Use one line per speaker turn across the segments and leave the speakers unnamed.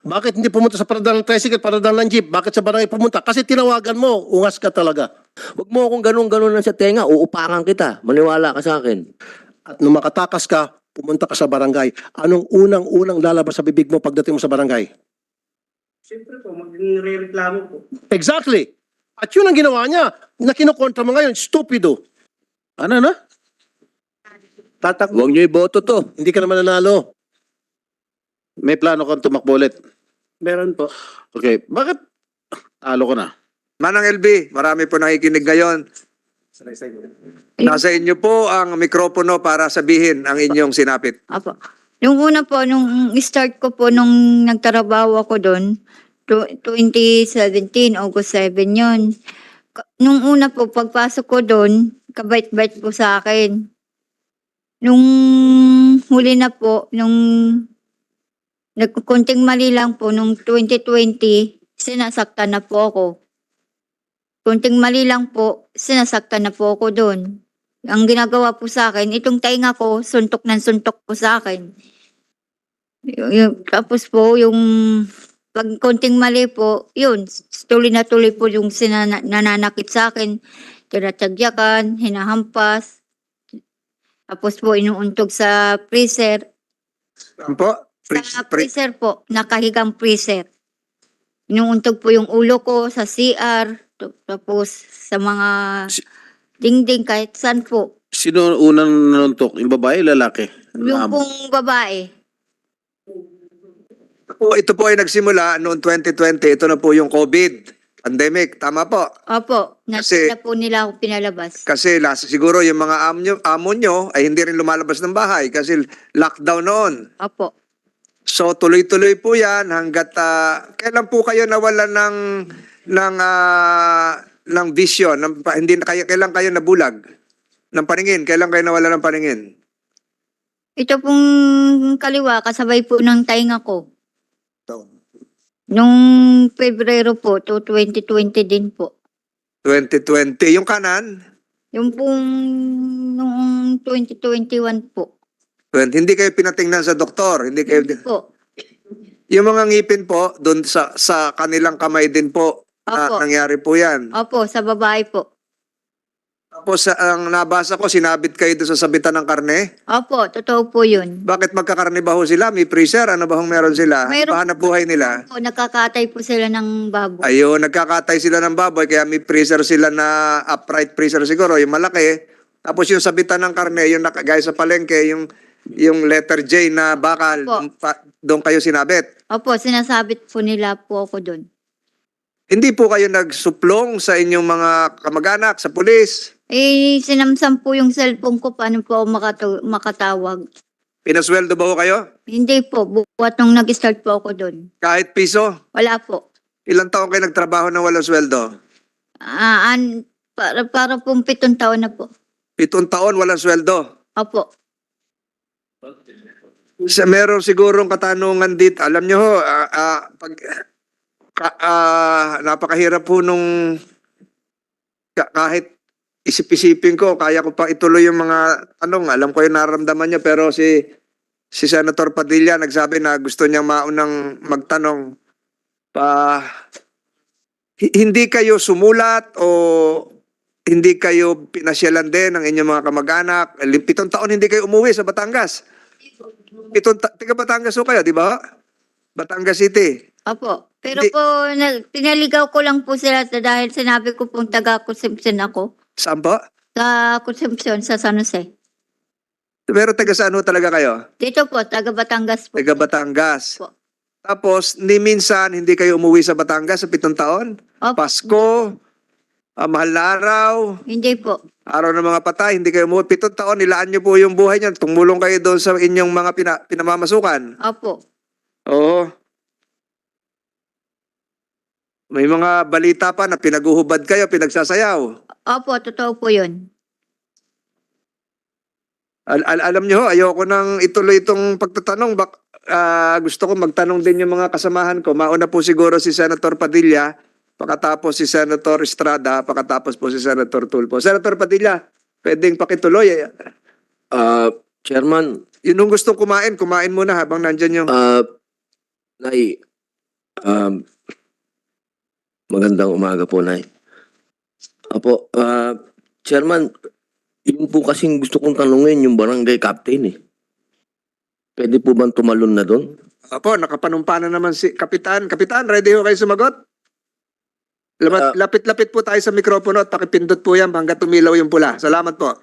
Bakit hindi pumunta sa paradal ng tricycle, paradal ng jeep? Bakit sa barangay pumunta? Kasi tinawagan mo, ungas ka talaga.
Huwag mo akong ganun-ganun lang sa tenga, uupakan kita. Maniwala ka sa akin.
At nung makatakas ka, pumunta ka sa barangay. Anong unang-unang lalabas sa bibig mo pagdating mo sa barangay?
Siyempre po, magre-reklamo po.
Exactly. At yun ang ginawa niya na kinukontra mo ngayon. Stupido. Ano na?
Huwag niyo iboto to.
Hindi ka naman nanalo.
May plano kang tumakbo ulit.
Meron po.
Okay, bakit talo ko na?
Manang LB, marami po nakikinig ngayon. Nasa inyo po ang mikropono para sabihin ang inyong sinapit.
Apo. Nung una po, nung start ko po, nung nagtrabaho ako doon, 2017, August 7 yun. Nung una po, pagpasok ko doon, kabait-bait po sa akin. Nung huli na po, nung nagkunting mali lang po, nung 2020, sinasaktan na po ako. Kunting mali lang po, sinasaktan na po ako doon. Ang ginagawa po sa akin, itong tainga ko, suntok ng suntok po sa akin. Tapos po, yung pag konting mali po, yun, tuloy na tuloy po yung nananakit sa akin. Tinatagyakan, hinahampas. Tapos po, inuuntog sa freezer.
Ano po?
Sa freezer po, nakahigang freezer. Inuuntog po yung ulo ko sa CR. Tapos sa mga dingding kahit saan po.
Sino unang nanuntok? Yung babae, lalaki?
Yung pong babae.
Ito po ay nagsimula noong 2020. Ito na po yung COVID pandemic. Tama po.
Opo,
Kasi-
na po nila ako pinalabas.
Kasi siguro yung mga amo nyo ay hindi rin lumalabas ng bahay kasi lockdown noon.
Opo.
So tuloy-tuloy po yan hanggat kailan po kayo nawala ng vision, hindi na kayo, kailan kayo nabulag ng paningin? Kailan kayo nawala ng paningin?
Ito pong kaliwa, kasabay po ng tainga ko. Nung Pebrero po, to 2020 din po.
2020. Yung kanan,
Yung pong noong 2021 po.
hindi kayo pinatingnan sa doktor, hindi kayo
Po.
yung mga ngipin po doon sa kanilang kamay din po
Opo.
nangyari po 'yan.
Opo, sa babae po.
Tapos ang nabasa ko sinabit kayo doon sa sabitan ng karne.
Opo, totoo po yun.
Bakit magkakarne ba ho sila? May freezer? Ano ba hong meron sila?
Mayroon-
Pahanap buhay nila?
Po, nakakatay po sila ng baboy.
Ayun, nagkakatay sila ng baboy kaya may freezer sila na upright freezer siguro, yung malaki. Tapos yung sabitan ng karne, yung gaya sa palengke, yung letter J na bakal,
Opo.
doon kayo sinabit.
Opo, sinasabit po nila po ako doon.
Hindi po kayo nagsuplong sa inyong mga kamag-anak, sa pulis?
Sinamsam po yung cellphone ko, paano po ako makatawag.
Pinasweldo ba ho kayo?
Hindi po, buwat nung nag-start po ako doon.
Kahit piso?
Wala po.
Ilang taon kayo nagtrabaho na walang sweldo?
Para pong 7 taon na po.
7 taon walang sweldo?
Opo.
Meron sigurong katanungan dito. Alam nyo ho, napakahirap po nung kahit isip-isipin ko, kaya ko pa ituloy yung mga tanong. Alam ko yung nararamdaman niya, pero si Senator Padilla nagsabi na gusto niyang maunang magtanong. Hindi kayo sumulat o hindi kayo pinasyalan din ng inyong mga kamag-anak? 7 taon hindi kayo umuwi sa Batangas. Tiga Batangas ho kayo, di ba? Batangas City.
Opo. Pero
Hindi-
po, pinaligaw ko lang po sila dahil sinabi ko pong taga-consumption ako.
Saan po?
Sa consumption sa San Jose.
Pero taga saan ho talaga kayo?
Dito po, taga Batangas po.
Taga Batangas.
Po.
Tapos, ni minsan, hindi kayo umuwi sa Batangas sa 7 taon?
Opo.
Pasko, mahal na araw,
Hindi po.
araw ng mga patay, hindi kayo umuwi. 7 taon, nilaan niyo po yung buhay niyan. Tumulong kayo doon sa inyong mga pinamamasukan.
Opo.
Oo. May mga balita pa na pinaguhubad kayo, pinagsasayaw.
Opo, totoo po yun.
Alam niyo ho, ayoko nang ituloy itong pagtatanong. Gusto ko magtanong din yung mga kasamahan ko. Mauna po siguro si Senator Padilla, pakatapos si Senator Estrada, pakatapos po si Senator Tulfo. Senator Padilla, pwedeng pakituloy.
Chairman,
Yun yung gustong kumain muna habang nandyan yung...
Nay, Magandang umaga po, Nay. Apo, Chairman, yun po kasing gusto kong tanungin yung barangay captain eh. Pwede po bang tumalon na doon?
Opo, nakapanumpa na naman si Kapitan. Kapitan, ready ho kayo sumagot? Lapit-lapit po tayo sa mikropono at pakipindot po yan hanggang tumilaw yung pula. Salamat po.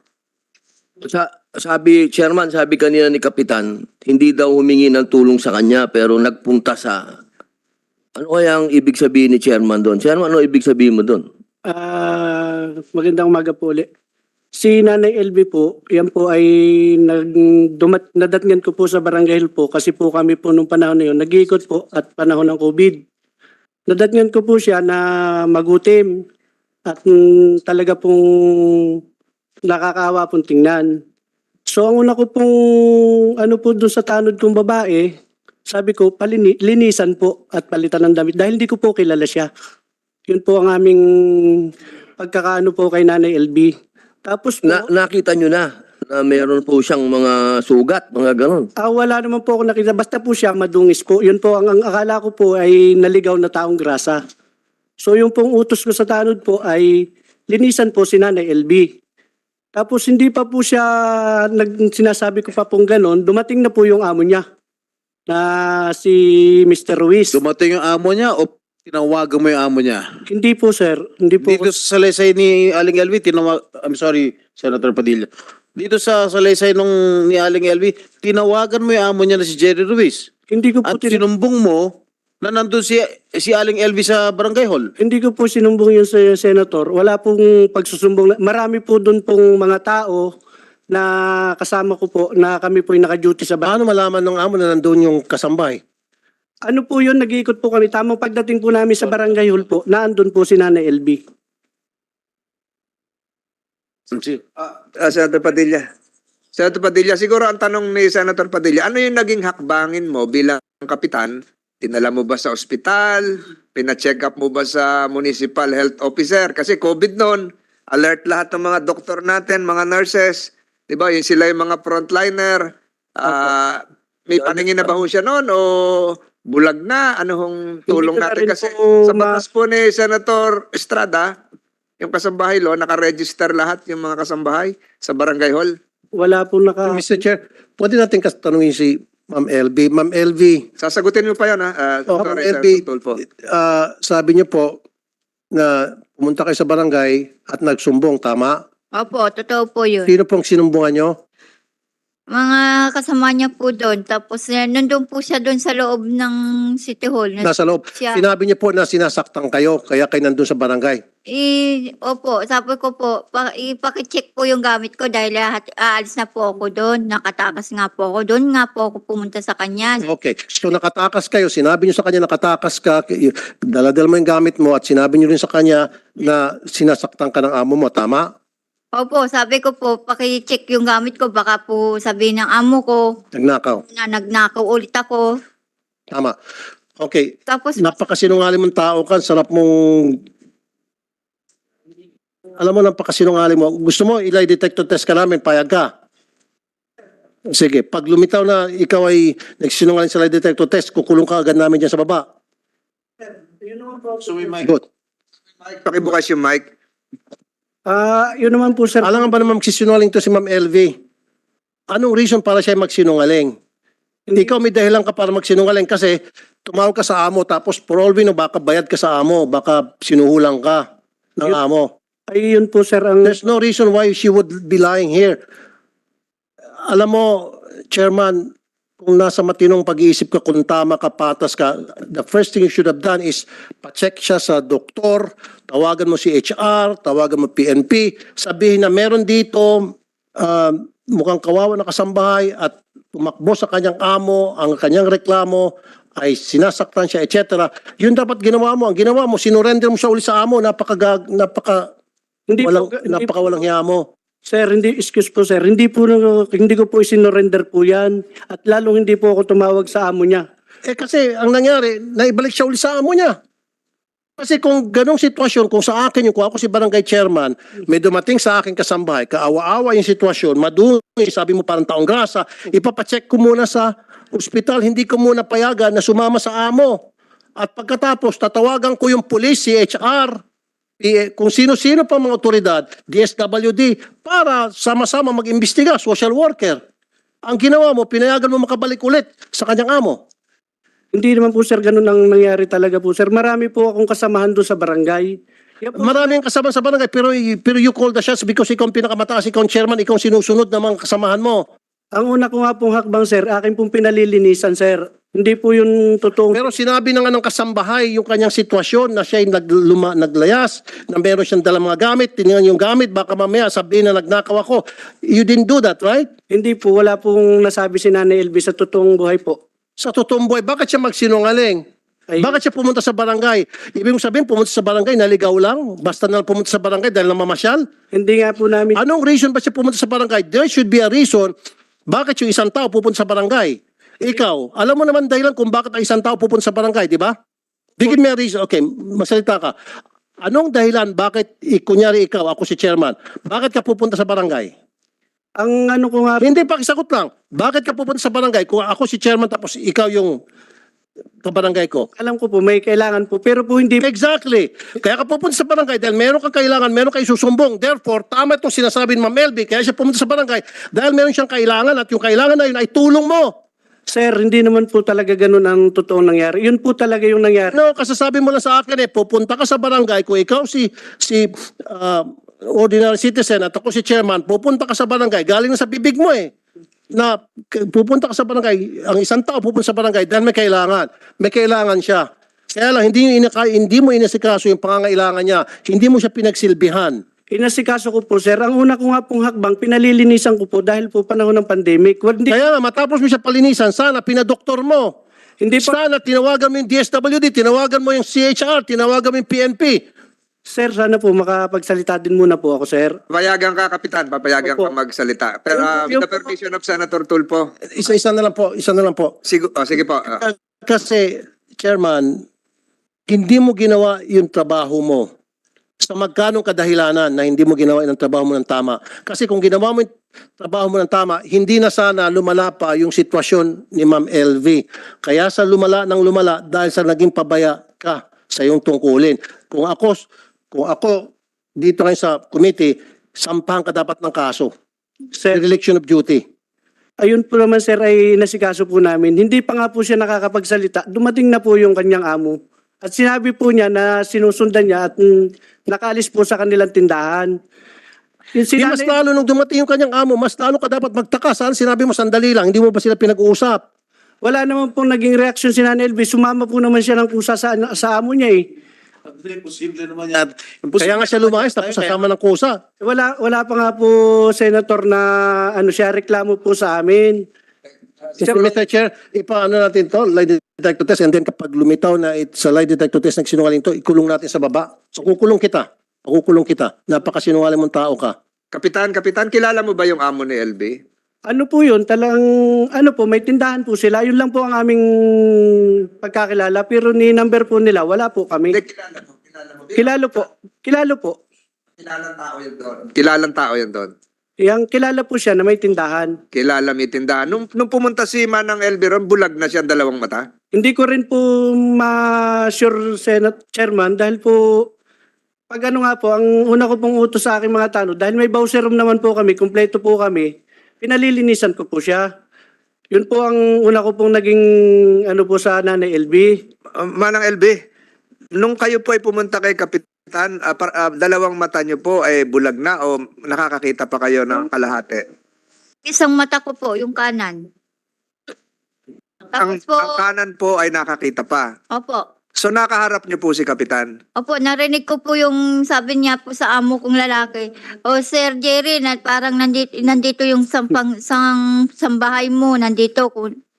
Sabi, Chairman, sabi kanina ni Kapitan, hindi daw humingi ng tulong sa kanya pero nagpunta sa... Ano kaya ang ibig sabihin ni Chairman doon? Chairman, ano ibig sabihin mo doon?
Magandang umaga po ulit. Si Nanay LB po, yan po ay nadatngan ko po sa Barangay Hill po kasi po kami po nung panahon na yun, nag-iikot po at panahon ng COVID. Nadatngan ko po siya na magutim at talaga pong nakakaawa pong tingnan. So ang una ko pong ano po doon sa tanod kong babae, sabi ko linisan po at palitan ng damit dahil hindi ko po kilala siya. Yun po ang aming pagkakaano po kay Nanay LB. Tapos po,
Nakita nyo na meron po siyang mga sugat, mga ganon.
wala naman po ako nakita. Basta po siya madungis po. Yun po, ang akala ko po ay naligaw na taong grasa. So yung pong utos ko sa tanod po ay linisan po si Nanay LB. Tapos hindi pa po siya, sinasabi ko pa pong ganon, dumating na po yung amo niya na si Mr. Ruiz.
Dumating yung amo niya o tinawagan mo yung amo niya?
Hindi po sir, hindi po.
Dito sa salaysay ni Aling LV, I'm sorry, Senator Padilla. Dito sa salaysay ni Aling LV, tinawagan mo yung amo niya na si Jerry Ruiz.
Hindi ko po
At sinumbong mo na nandun si Aling LV sa barangay hall.
Hindi ko po sinumbong yun sa senator. Wala pong pagsusumbong. Marami po doon pong mga tao na kasama ko po na kami po yung naka-duty sa bahay.
Paano malaman ng amo na nandun yung kasambay?
Ano po yun, nag-iikot po kami. Tamang pagdating po namin sa barangay hall po, naandun po si Nanay LB.
Senator Padilla. Senator Padilla, siguro ang tanong ni Senator Padilla, ano yung naging hakbangin mo bilang kapitan? Tinala mo ba sa ospital? Pina-check up mo ba sa municipal health officer? Kasi COVID noon, alert lahat ng mga doktor natin, mga nurses. Di ba? Yung sila yung mga frontliner. May paningin na ba ho siya noon o bulag na? Ano hong tulong
Hindi ko na
natin?
rin
Kasi
po
sa batas po ni Senator Estrada, yung kasambahay law, nakaregister lahat yung mga kasambahay sa barangay hall.
Wala po
Mr. Chair, pwede natin tanungin si Ma'am LB. Ma'am LB,
Sasagutin mo pa yan, ha?
Ma'am
Sorry,
LB,
Senator Tulfo.
sabi niyo po na pumunta kayo sa barangay at nagsumbong, tama?
Opo, totoo po yun.
Sino pong sinumbungan niyo?
Mga kasama niya po doon. Tapos nandun po siya doon sa loob ng City Hall.
Nasa loob.
Siya.
Sinabi niyo po na sinasaktan kayo, kaya kayo nandun sa barangay.
Opo, sabi ko po, ipakicheck po yung gamit ko dahil aalis na po ako doon. Nakatakas nga po ako doon. Nga po ako pumunta sa kanya.
Okay. So nakatakas kayo, sinabi niyo sa kanya nakatakas ka, daladal mo yung gamit mo at sinabi niyo rin sa kanya na sinasaktan ka ng amo mo, tama?
Opo, sabi ko po, pakicheck yung gamit ko. Baka po sabihin ng amo ko
Nagnakaw.
na nagnakaw ulit ako.
Tama. Okay.
Tapos,
Napakasinungaling mong tao ka, sarap mong... Alam mo, napakasinungaling mo. Gusto mo, ilay detector test ka namin, payag ka. Sige, pag lumitaw na ikaw ay nagsinungaling sa lie detector test, kukulong ka agad namin dyan sa baba. Good.
Pakibukas yung mic.
yun naman po sir.
Alam nga ba naman magsisinungaling to si Ma'am LV? Anong reason para siya magsinungaling? Hindi ikaw may dahilan ka para magsinungaling kasi tumawag ka sa amo tapos for all we know, baka bayad ka sa amo, baka sinuhulang ka ng amo.
Ay, yun po sir ang...
There's no reason why she would be lying here. Alam mo, Chairman, kung nasa matinong pag-iisip ka, kung tama ka, patas ka, the first thing you should have done is pa-check siya sa doktor, tawagan mo si HR, tawagan mo PNP, sabihin na meron dito mukhang kawawa na kasambahay at tumakbo sa kanyang amo, ang kanyang reklamo ay sinasaktan siya, etc. Yun dapat ginawa mo. Ang ginawa mo, sinurrender mo siya uli sa amo, napakawalang hiya mo.
Sir, excuse po sir, hindi ko po isinorender po yan at lalong hindi po ako tumawag sa amo niya.
Kasi ang nangyari, naibalik siya uli sa amo niya. Kasi kung ganong sitwasyon, kung sa akin, kung ako si barangay chairman, may dumating sa akin kasambahay, kaawa-awa yung sitwasyon, madumi, sabi mo parang taong grasa, ipapacheck ko muna sa ospital, hindi ko muna payagan na sumama sa amo. At pagkatapos, tatawagan ko yung police, CHR, kung sino-sino pa mga otoridad, DSWD, para sama-sama mag-imbestiga, social worker. Ang ginawa mo, pinayagan mo makabalik ulit sa kanyang amo.
Hindi naman po sir ganun ang nangyari talaga po sir. Marami po akong kasamahan doon sa barangay. Yan po,
Maraming kasama sa barangay, pero you call the shots because ikaw ang pinakamataas, ikaw ang chairman, ikaw ang sinusunod ng mga kasamahan mo.
ang una ko nga pong hakbang sir, akin pong pinalilinisan sir. Hindi po yung totoong...
Pero sinabi na nga ng kasambahay yung kanyang sitwasyon na siya ay naglayas, na meron siyang dalang mga gamit, tinignan yung gamit, baka mamaya sabihin na nagnakaw ako. You didn't do that, right?
Hindi po, wala pong nasabi si Nanay LV sa totoong buhay po.
Sa totoong buhay, bakit siya magsinungaling?
Ay,
Bakit siya pumunta sa barangay? Ibig mong sabihin, pumunta sa barangay, naligaw lang? Basta na lang pumunta sa barangay dahil namamasyal?
hindi nga po namin...
Anong reason ba siya pumunta sa barangay? There should be a reason bakit yung isang tao pupunta sa barangay. Ikaw, alam mo naman dahilan kung bakit ang isang tao pupunta sa barangay, di ba? Bigyan mo a reason. Okay, masalita ka. Anong dahilan bakit, kunyari ikaw, ako si chairman, bakit ka pupunta sa barangay?
Ang ano ko nga...
Hindi, pakisagot lang. Bakit ka pupunta sa barangay kung ako si chairman tapos ikaw yung kabarangay ko?
Alam ko po, may kailangan po. Pero po hindi...
Exactly. Kaya ka pupunta sa barangay dahil meron kang kailangan, meron kang isusumbong. Therefore, tama itong sinasabi ni Ma'am Elby, kaya siya pumunta sa barangay dahil meron siyang kailangan at yung kailangan na yun ay tulong mo.
Sir, hindi naman po talaga ganun ang totoong nangyari. Yun po talaga yung nangyari.
No, kasasabi mo lang sa akin pupunta ka sa barangay kung ikaw ordinary citizen at ako si chairman, pupunta ka sa barangay, galing na sa bibig mo na pupunta ka sa barangay, ang isang tao pupunta sa barangay dahil may kailangan siya. Kaya lang, hindi mo inasikaso yung pangangailangan niya, hindi mo siya pinagsilbihan.
Inasikaso ko po, sir. Ang una ko nga pong hakbang, pinalilinisan ko po dahil po panahon ng pandemic. Hindi,
Kaya nga, matapos mo siya palinisan, sana pinadoktor mo.
hindi po,
Sana tinawagan mo yung DSWD, tinawagan mo yung CHR, tinawagan mo yung PNP.
sir, sana po makapagsalita din muna po ako, sir.
Papayagan ka, Kapitan. Papayagan
Opo.
ka magsalita. Pero
Yung-
with the permission of Senator Tulfo.
Isa na lang po.
Sige po.
Kasi, Chairman, hindi mo ginawa yung trabaho mo. Sa magkanong kadahilanan na hindi mo ginawa yung trabaho mo ng tama. Kasi kung ginawa mo yung trabaho mo ng tama, hindi na sana lumala pa yung sitwasyon ni Ma'am LV. Kaya sa lumala dahil sa naging pabaya ka sa iyong tungkulin. Kung ako dito ngayon sa committee, sampahan ka dapat ng kaso.
Sir,
Dereliction of duty.
ayun po naman, sir, ay nasikaso po namin. Hindi pa nga po siya nakakapagsalita. Dumating na po yung kanyang amo. At sinabi po niya na sinusundan niya at nakaalis po sa kanilang tindahan. Yung
Di mas
sinanay-
lalo nung dumating yung kanyang amo, mas lalo ka dapat magtaka. Saan sinabi mo sandali lang, hindi mo ba sila pinag-uusap?
Wala naman pong naging reaksyon si Nanay LV. Sumama po naman siya ng kusa sa amo niya eh.
Imposible naman yan.
Kaya nga siya lumayas tapos sasama ng kusa.
Wala pa nga po, Senator, na siya reklamo po sa amin.
Mr. Chair, ipaano natin to, lie detector test, and then kapag lumitaw na sa lie detector test nagsinungaling to, ikulong natin sa baba. So kukulong kita. Napakasinungaling mong tao ka.
Kapitan, kilala mo ba yung amo ni LB?
Ano po yun? May tindahan po sila. Yun lang po ang aming pagkakilala. Pero ni number po nila, wala po kami.
Hindi, kilala mo.
Kilalo po.
Kilalang tao yun doon.
Yang kilala po siya na may tindahan.
Kilala may tindahan. Nung pumunta si Manang LB ron, bulag na siya ang dalawang mata.
Hindi ko rin po ma-sure, Senate Chairman, dahil po, pag ano nga po, ang una ko pong utos sa aking mga tanong, dahil may bowser room naman po kami, kumpleto po kami, pinalilinisan ko po siya. Yun po ang una ko pong naging po sa Nanay LB.
Manang LB, nung kayo po ay pumunta kay Kapitan, dalawang mata niyo po ay bulag na o nakakakita pa kayo ng kalahati?
Isang mata ko po, yung kanan. Tapos po,
Ang kanan po ay nakakita pa.
opo.
So nakaharap niyo po si Kapitan.
Opo, narinig ko po yung sabi niya po sa amo kong lalaki. O Sir Jerry, parang nandito yung sambahay mo, nandito.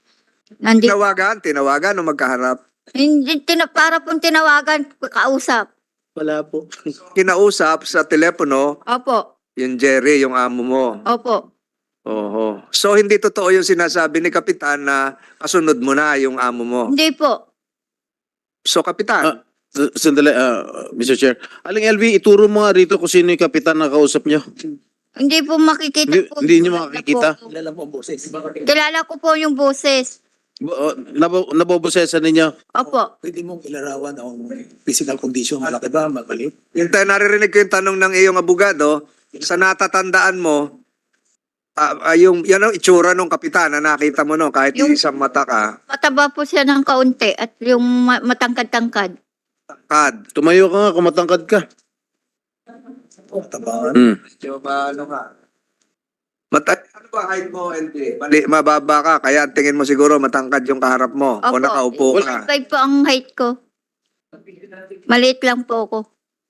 Tinawagan o magkaharap.
Hindi, para pong tinawagan, kausap.
Wala po.
Kinausap sa telepono
Opo,
yung Jerry, yung amo mo.
opo.
Oho. So hindi totoo yung sinasabi ni Kapitan na kasunod mo na yung amo mo.
Hindi po.
So Kapitan,
Sandali, Mr. Chair. Aling LV, ituro mo nga rito kung sino yung kapitan na kausap nyo.
Hindi po makikita po.
Hindi niyo makikita?
Kilala ko po yung boses.
Nabobosesan ninyo?
Opo.
Pwede mong ilarawan ang physical condition, malaki ba, mabalik?
Yung naririnig ko yung tanong ng iyong abogado, sa natatandaan mo, yan ang itsura ng kapitan na nakita mo no, kahit
Yung-
isang mata ka,
Mataba po siya ng kaunti at yung matangkad-tangkad.
kad.
Tumayo ka nga kung matangkad ka.
Tabangan.
Medyo ano ka? Ano ba height mo, LP? Mababa ka, kaya ang tingin mo siguro matangkad yung kaharap mo o
Opo.
nakaupo ka.
5 po ang height ko. Maliit lang po ako.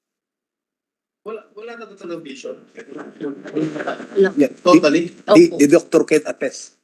Wala na talagang vision.
Wala.
Yeah, totally.
Opo.
The doctor can attest.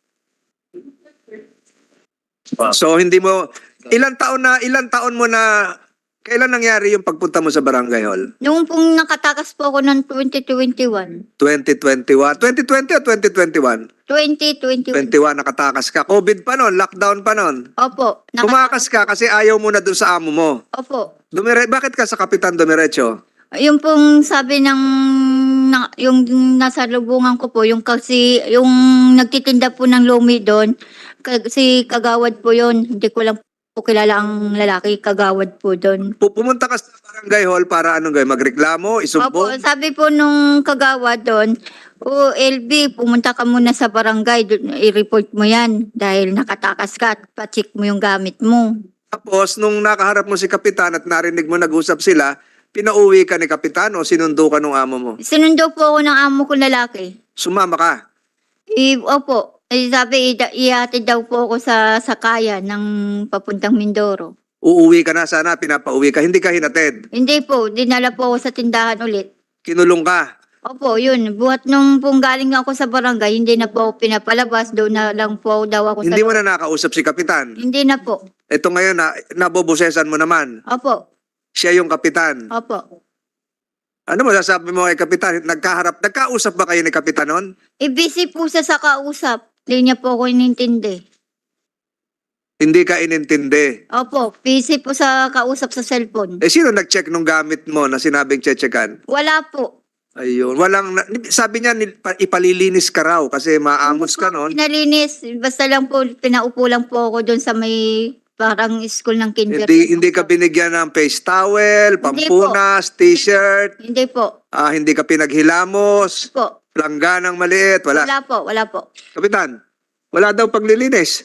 So hindi mo, ilang taon mo na, kailan nangyari yung pagpunta mo sa Barangay Hall?
Noong pong nakatakas po ako ng 2021.
2021? 2020 o 2021?
2021.
21 nakatakas ka. COVID pa nun, lockdown pa nun.
Opo.
Tumakas ka kasi ayaw mo na dun sa amo mo.
Opo.
Bakit ka sa Kapitan dumiretso?
Yung pong sabi ng yung nasa lubungan ko po, yung kasi yung nagtitinda po ng lumi doon, si Kagawad po yon. Hindi ko lang po kilala ang lalaki, Kagawad po doon.
Pumunta ka sa Barangay Hall para anong gawin? Magreklamo?
Opo,
Isumbong?
sabi po nung Kagawad doon, o LB, pumunta ka muna sa barangay, i-report mo yan dahil nakatakas ka at pa-check mo yung gamit mo.
Tapos, nung nakaharap mo si Kapitan at narinig mo nag-usap sila, pinauwi ka ni Kapitan o sinundo ka ng amo mo?
Sinundo po ako ng amo ko lalaki.
Sumama ka?
Opo. Sabi, ihatid daw po ako sa sakaya ng papuntang Mindoro.
Uuwi ka na sana, pinapauwi ka. Hindi ka hinatid.
Hindi po, dinala po ako sa tindahan ulit.
Kinulong ka.
Opo, yun. Buhat nung pong galing ako sa barangay, hindi na po ako pinapalabas. Doon na lang po daw ako
Hindi
sa...
mo na nakausap si Kapitan.
Hindi na po.
Ito ngayon, nabobosesan mo naman.
Opo,
Siya yung Kapitan.
opo.
Ano mo sasabi mo kay Kapitan? Nagkausap ba kayo ni Kapitan nun?
Busy po siya sa kausap. Hindi niya po ako inintindi.
Hindi ka inintindi.
Opo, busy po sa kausap sa cellphone.
Sino nag-check nung gamit mo na sinabing checkan?
Wala po.
Ayun. Sabi niya, ipalilinis ka raw kasi maamos ka nun.
Pinalinis. Basta lang po, pinaupo lang po ako doon sa may parang school ng kinder.
Hindi ka binigyan ng face towel, pampunas, t-shirt,
Hindi po.
hindi ka pinaghilamos,
Po.
langganang maliit, wala.
Wala po, wala po.
Kapitan, wala daw paglilinis.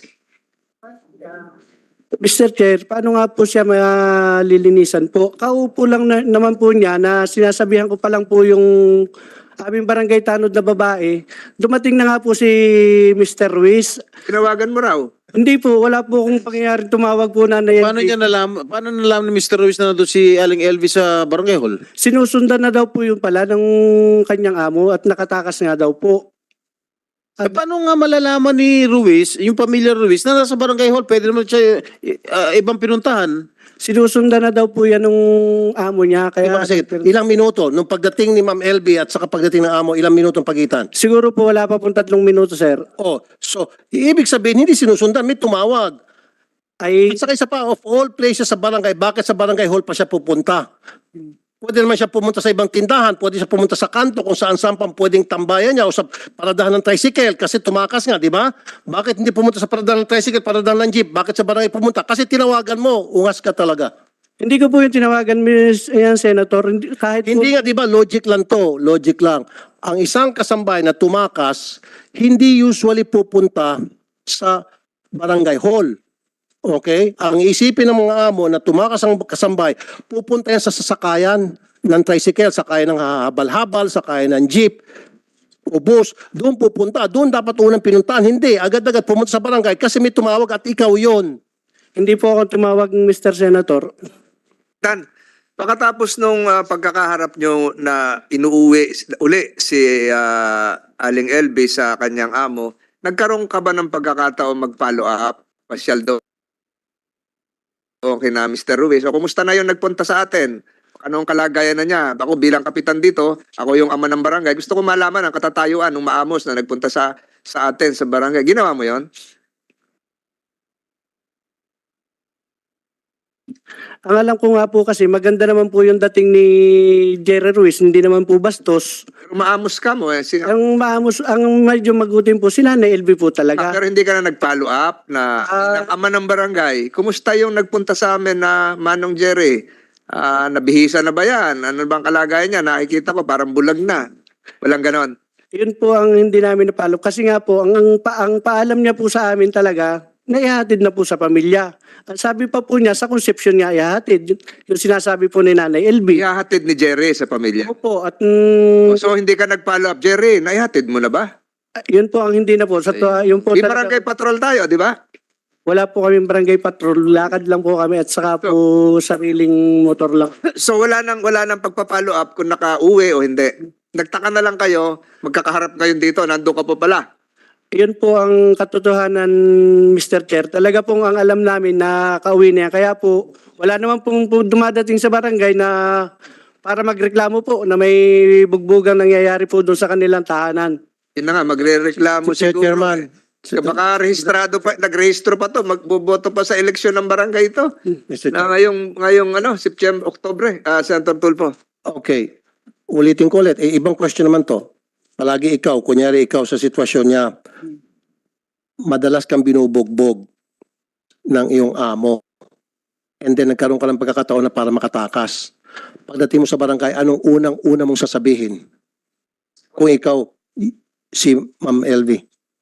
Mr. Chair, paano nga po siya malilinisan po? Kaupo lang naman po niya na sinasabihan ko pa lang po yung aming barangay tanod na babae. Dumating na nga po si Mr. Ruiz.
Tinawagan mo raw.
Hindi po, wala po akong pangyayari tumawag po na
Paano nalaman ni Mr. Ruiz na nandun si Aling Elvis sa Barangay Hall?
Sinusundan na daw po yung pala ng kanyang amo at nakatakas nga daw po.
Paano nga malalaman ni Ruiz, yung pamilya Ruiz, na nasa Barangay Hall, pwede naman siya ibang pinuntahan?
Sinusundan na daw po yan ng amo niya.
Kaya,
Kaya,
ilang minuto, nung pagdating ni Ma'am LB at saka pagdating ng amo, ilang minuto ang pagitan?
siguro po wala pa pong 3 minuto, sir.
Oh, so, ibig sabihin, hindi sinusundan, may tumawag.
Ay,
At saka isa pa, of all places sa barangay, bakit sa Barangay Hall pa siya pupunta? Pwede naman siya pumunta sa ibang tindahan, pwede siya pumunta sa kanto kung saan-saan pang pwedeng tambayan niya o sa paradahan ng tricycle kasi tumakas nga, di ba? Bakit hindi pumunta sa paradahan ng tricycle, paradahan ng jeep? Bakit sa barangay pumunta? Kasi tinawagan mo, ungas ka talaga.
hindi ko po yung tinawagan, Senator. Kahit po,
Hindi nga, di ba, logic lang to, logic lang. Ang isang kasambay na tumakas, hindi usually pupunta sa Barangay Hall. Okay? Ang isipin ng mga amo na tumakas ang kasambay, pupunta yan sa sasakayan ng tricycle, sakayan ng habal-habal, sakayan ng jeep, o bus. Doon pupunta. Doon dapat unang pinuntahan. Hindi. Agad-agad pumunta sa barangay kasi may tumawag at ikaw yon.
hindi po ako tumawag, Mr. Senator.
Dan, pagkatapos nung pagkakaharap nyo na inuuwi uli si Aling LB sa kanyang amo, nagkaroon ka ba ng pagkakataon mag-follow up? Pasyal daw. Okay na, Mr. Ruiz. O, kumusta na yung nagpunta sa atin? Anong kalagayan na niya? Ako bilang kapitan dito, ako yung ama ng barangay. Gusto ko malaman ang katatayuan ng maamos na nagpunta sa atin sa barangay. Ginawa mo yon?
Ang alam ko nga po kasi maganda naman po yung dating ni Jerry Ruiz, hindi naman po bastos.
Pero maamos ka mo eh.
Ang maamos, ang medyo magutim po si Nanay LB po talaga.
Pero hindi ka na nag-follow up na ng ama ng barangay. Kumusta yung nagpunta sa amin na Manong Jerry? Nabihisa na ba yan? Ano bang kalagayan niya? Nakikita ko parang bulag na. Walang ganon.
Yun po ang hindi namin napalo. Kasi nga po, ang paalam niya po sa amin talaga, naihatid na po sa pamilya. Ang sabi pa po niya, sa conception niya, ihatid. Yung sinasabi po ni Nanay LB.
Ihahatid ni Jerry sa pamilya.
Opo, at
So hindi ka nag-follow up. Jerry, naihatid mo na ba?
yun po ang hindi na po. Yun po
Di
talaga,
barangay patrol tayo, di ba?
wala po kaming barangay patrol. Lakad lang po kami at saka po sariling motor lang.
So wala nang pagpa-follow up kung nakauwi o hindi. Nagtaka na lang kayo, magkakaharap ngayon dito, nandun ka po pala.
Yun po ang katotohanan, Mr. Chair. Talaga pong ang alam namin na kauwi niya. Kaya po, wala naman pong dumadating sa barangay na para magreklamo po na may bugbugang nangyayari po doon sa kanilang tahanan.
Yun na nga, magre-reklamo
Mr.
siguro.
Chairman,
Baka rehistrado pa, nagrehistro pa to, magboboto pa sa eleksyon ng barangay ito.
Mr.
Na
Chair.
ngayong September, Oktubre, Senator Tulfo.
Okay. Ulitin ko ulit. Ibang question naman to. Palagi ikaw, kunyari ikaw sa sitwasyon niya, madalas kang binubugbog ng iyong amo. And then nagkaroon ka ng pagkakataon na para makatakas. Pagdating mo sa barangay, anong unang-una mong sasabihin? Kung ikaw, si Ma'am LV.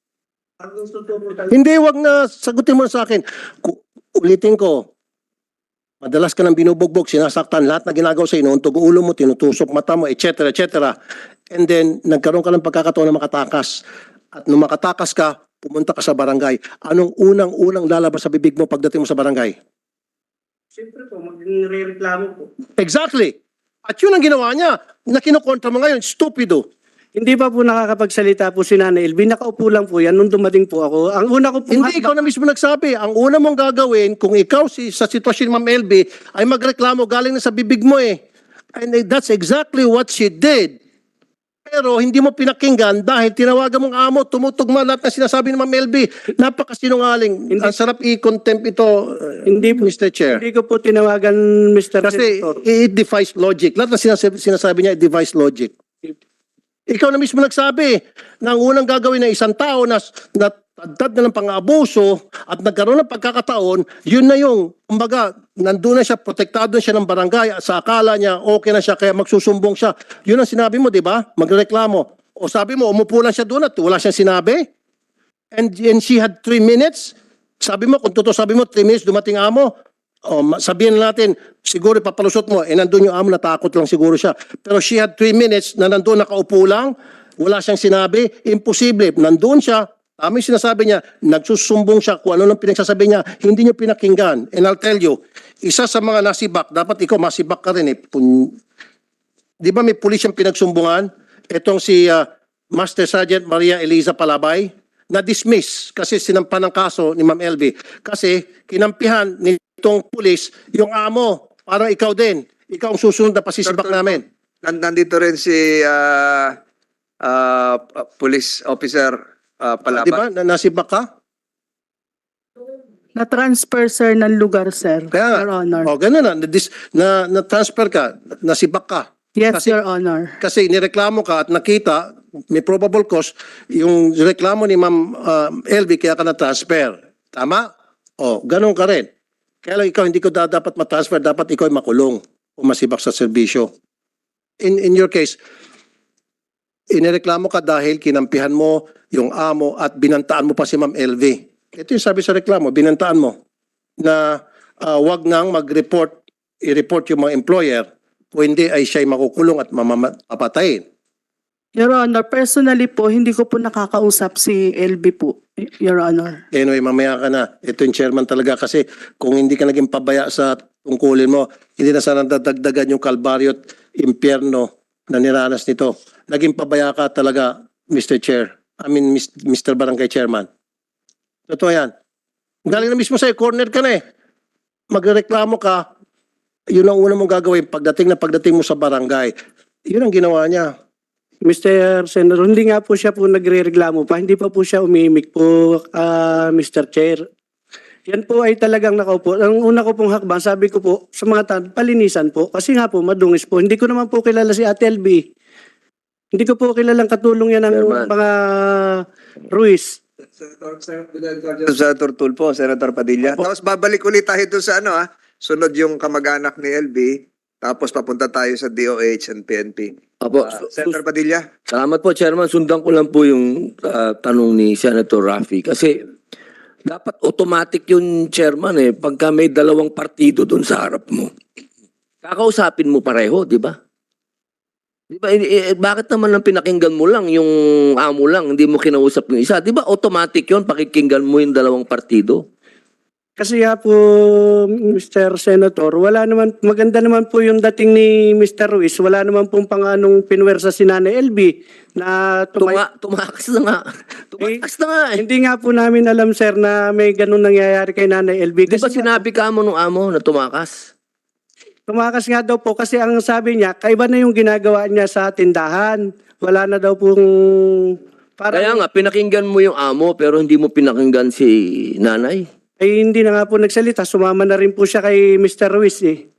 Hindi, wag na. Sagutin mo na sa akin. Ulitin ko. Madalas ka nang binubugbog, sinasaktan, lahat na ginagawa sa inuuntog ulo mo, tinutusok mata mo, etc. etc. And then, nagkaroon ka ng pagkakataon na makatakas. At nung makatakas ka, pumunta ka sa barangay. Anong unang-unang lalabas sa bibig mo pagdating mo sa barangay?
Siyempre po, magre-reklamo po.
Exactly. At yun ang ginawa niya. Na kinukontra mo ngayon, stupido.
Hindi pa po nakakapagsalita po si Nanay LB. Nakaupo lang po yan nung dumating po ako. Ang una ko po...
Hindi, ikaw na mismo nagsabi. Ang una mong gagawin, kung ikaw sa sitwasyon ni Ma'am LB, ay magreklamo galing na sa bibig mo eh. And that's exactly what she did. Pero hindi mo pinakinggan dahil tinawagan mong amo, tumutugma lahat na sinasabi ni Ma'am LB. Napakasinungaling. Ang sarap i-contempt ito,
Hindi po.
Mr. Chair.
Hindi ko po tinawagan, Mr.
Kasi
Senator.
it defies logic. Lahat na sinasabi niya, it defies logic. Ikaw na mismo nagsabi na ang unang gagawin ng isang tao na natagdad na ng pang-abuso at nagkaroon ng pagkakataon, yun na yung, kumbaga, nandun na siya, protektado na siya ng barangay, sa akala niya, okay na siya, kaya magsusumbong siya. Yun ang sinabi mo, di ba? Magreklamo. O sabi mo, umupo lang siya doon at wala siyang sinabi? And she had 3 minutes? Sabi mo, kung totoo sabi mo, 3 minutes dumating amo, o sabihin natin, siguro papalusot mo, nandun yung amo, natakot lang siguro siya. Pero she had 3 minutes na nandun nakaupo lang, wala siyang sinabi, imposible. Nandun siya, tama yung sinasabi niya, nagsusumbong siya kung ano nang pinagsasabi niya, hindi niyo pinakinggan. And I'll tell you, isa sa mga nasibak, dapat ikaw masibak ka rin eh. Di ba may pulis yung pinagsumbungan? Itong si Master Sergeant Maria Eliza Palabay, na-dismiss kasi sinampan ng kaso ni Ma'am LB. Kasi kinampihan nitong pulis yung amo. Parang ikaw din. Ikaw ang susunod na pasisibak namin.
Nandito rin si police officer Palaba.
Di ba? Nasibak ka?
Na-transfer, sir, ng lugar, sir.
Kaya nga.
Your Honor.
O, ganun na. Na-transfer ka. Nasibak ka.
Yes,
kasi-
Your Honor.
Kasi nireklamo ka at nakita, may probable cause, yung reklamo ni Ma'am LB kaya ka na-transfer. Tama? O, ganun ka rin. Kaya lang ikaw hindi ko dapat ma-transfer, dapat ikaw ay makulong o masibak sa serbisyo. In your case, inireklamo ka dahil kinampihan mo yung amo at binantaan mo pa si Ma'am LV. Ito yung sabi sa reklamo, binantaan mo na wag nang mag-report, i-report yung mga employer o hindi ay siya'y makukulong at mamapatayin.
Your Honor, personally po, hindi ko po nakakausap si LB po, Your Honor.
Anyway, mamaya ka na. Ito yung chairman talaga kasi kung hindi ka naging pabaya sa tungkulin mo, hindi na sana dadagdagan yung kalbaryo at impyerno na niranas nito. Naging pabaya ka talaga, Mr. Chair. Mr. Barangay Chairman. Totoo yan. Galing na mismo sa'yo, corner ka na eh. Magreklamo ka, yun ang una mong gagawin pagdating mo sa barangay. Yun ang ginawa niya.
Mr. Senator, hindi nga po siya po nagre-reklamo pa. Hindi pa po siya umimik po, Mr. Chair. Yan po ay talagang nakaupo. Ang una ko pong hakbang, sabi ko po sa mga tao, palinisan po. Kasi nga po, madungis po. Hindi ko naman po kilala si Ate LB. Hindi ko po kilalang katulong yan ng
Chairman.
mga Ruiz.
Senator Tulfo, Senator Padilla. Tapos babalik ulit tayo doon sa sunod yung kamag-anak ni LB, tapos papunta tayo sa DOH and PNP.
Apo,
Senator Padilla.
salamat po, Chairman. Sundan ko lang po yung tanong ni Senator Raffy. Kasi dapat automatic yung Chairman pagka may dalawang partido doon sa harap mo. Kakausapin mo pareho, di ba? Di ba? Bakit naman ang pinakinggan mo lang yung amo lang, hindi mo kinausap yung isa? Di ba automatic yun, pakikinggan mo yung dalawang partido?
Kasi nga po, Mr. Senator, wala naman, maganda naman po yung dating ni Mr. Ruiz. Wala naman pong panganong pinwersa si Nanay LB na
Tumakas na nga. Tumakas na nga eh.
Hindi nga po namin alam, sir, na may ganun nangyayari kay Nanay LB.
Di ba sinabi ka mo nung amo na tumakas?
Tumakas nga daw po kasi ang sabi niya, kaiba na yung ginagawa niya sa tindahan. Wala na daw pong...
Kaya nga, pinakinggan mo yung amo pero hindi mo pinakinggan si nanay.
Ay hindi na nga po nagsalita. Sumama na rin po siya kay Mr. Ruiz eh.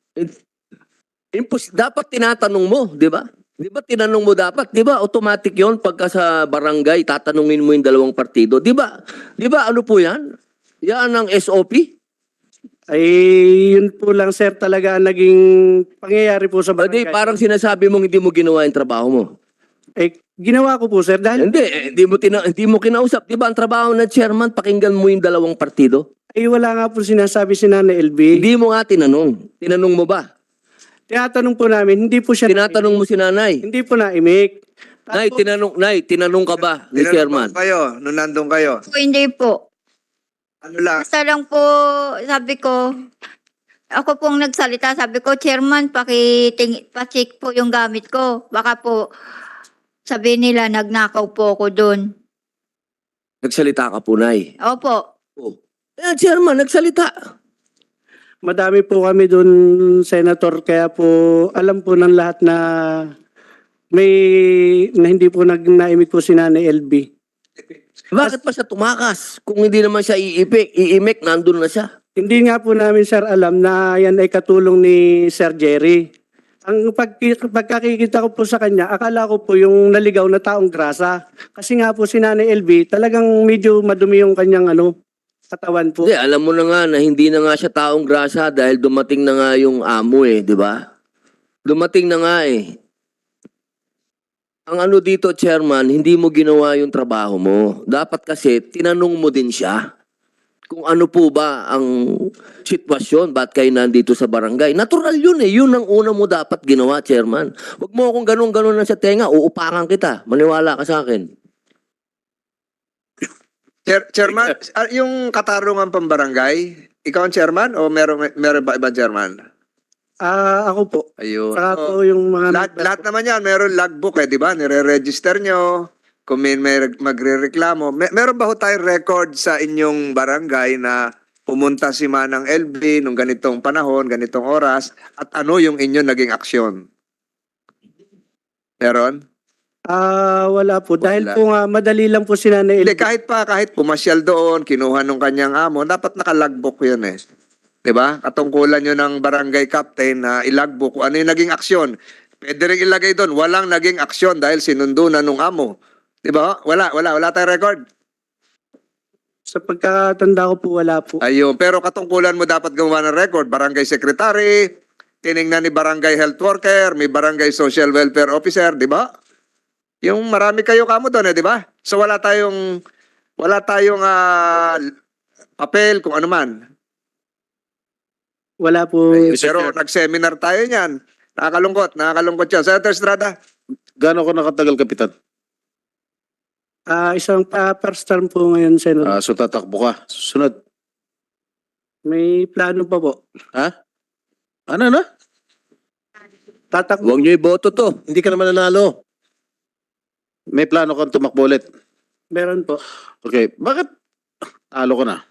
Dapat tinatanong mo, di ba? Di ba tinanong mo dapat? Di ba automatic yon pagka sa barangay, tatanungin mo yung dalawang partido? Di ba? Di ba ano po yan? Yan ang SOP?
Ay yun po lang, sir, talaga ang naging pangyayari po sa
Hindi,
barangay.
parang sinasabi mong hindi mo ginawa yung trabaho mo.
Eh, ginawa ko po, sir, dahil
Hindi mo kinausap. Di ba ang trabaho ng chairman, pakinggan mo yung dalawang partido?
ay wala nga po sinasabi si Nanay LB.
Hindi mo nga tinanong. Tinanong mo ba?
Tinatanong po namin, hindi po siya
Tinatanong mo si nanay.
hindi po naimik.
Nay, tinanong ka ba ni chairman?
Tinanong kayo, nung nandun kayo.
Po, hindi po.
Ano lang?
Basta lang po, sabi ko, ako pong nagsalita, sabi ko, Chairman, pa-check po yung gamit ko. Baka po, sabi nila, nagnakaw po ako doon.
Nagsalita ka po, Nay.
Opo.
Chairman, nagsalita.
Madami po kami doon, Senator, kaya po alam po ng lahat na hindi po naimik po si Nanay LB.
Bakit pa siya tumakas? Kung hindi naman siya iimik, nandun na siya.
Hindi nga po namin, sir, alam na yan ay katulong ni Sir Jerry. Ang pagkakikita ko po sa kanya, akala ko po yung naligaw na taong grasa. Kasi nga po si Nanay LB, talagang medyo madumi yung kanyang katawan po.
Hindi, alam mo na nga na hindi na nga siya taong grasa dahil dumating na nga yung amo di ba? Dumating na nga Ang dito, Chairman, hindi mo ginawa yung trabaho mo. Dapat kasi, tinanong mo din siya kung ano po ba ang sitwasyon, ba't kayo nandito sa barangay. Natural yun Yun ang una mo dapat ginawa, Chairman. Huwag mo akong ganun-ganun na sa tenga, uupakan kita. Maniwala ka sa akin.
Chairman, yung katarungan pambarangay, ikaw ang chairman o meron ba ibang chairman?
Ako po.
Ayun.
Saka po yung mga...
Lahat naman yan, meron logbook di ba? Nire-register nyo. Kung may magre-reklamo. Meron ba ho tayong record sa inyong barangay na pumunta si Manang LB nung ganitong panahon, ganitong oras, at ano yung inyong naging aksyon? Meron?
Wala po. Dahil
Wala.
po nga, madali lang po si Nanay
Hindi,
LB.
kahit pumasyal doon, kinuha nung kanyang amo, dapat nakalagbook yun Diba? Katungkulan yun ng barangay captain na ilagbook kung ano yung naging aksyon. Pwede rin ilagay doon, walang naging aksyon dahil sinundo na nung amo. Diba? Wala tayong record.
Sa pagkatanda ko po, wala po.
Ayun, pero katungkulan mo dapat gumawa ng record. Barangay secretary, tiningnan ni barangay health worker, may barangay social welfare officer, di ba? Yung marami kayo kamo doon, di ba? So wala tayong papel kung ano man.
Wala po.
Pero nag-seminar tayo niyan. Nakakalungkot yan. Senator Estrada.
Gaano ko nakatagal, Kapitan?
Isang first term po ngayon, Senator.
So tatakbo ka. Susunod.
May plano pa po.
Ano na?
Tatakbo.
Huwag niyo iboto to.
Hindi ka naman nanalo.
May plano kang tumakbo ulit.
Meron po.
Okay. Bakit talo ko na?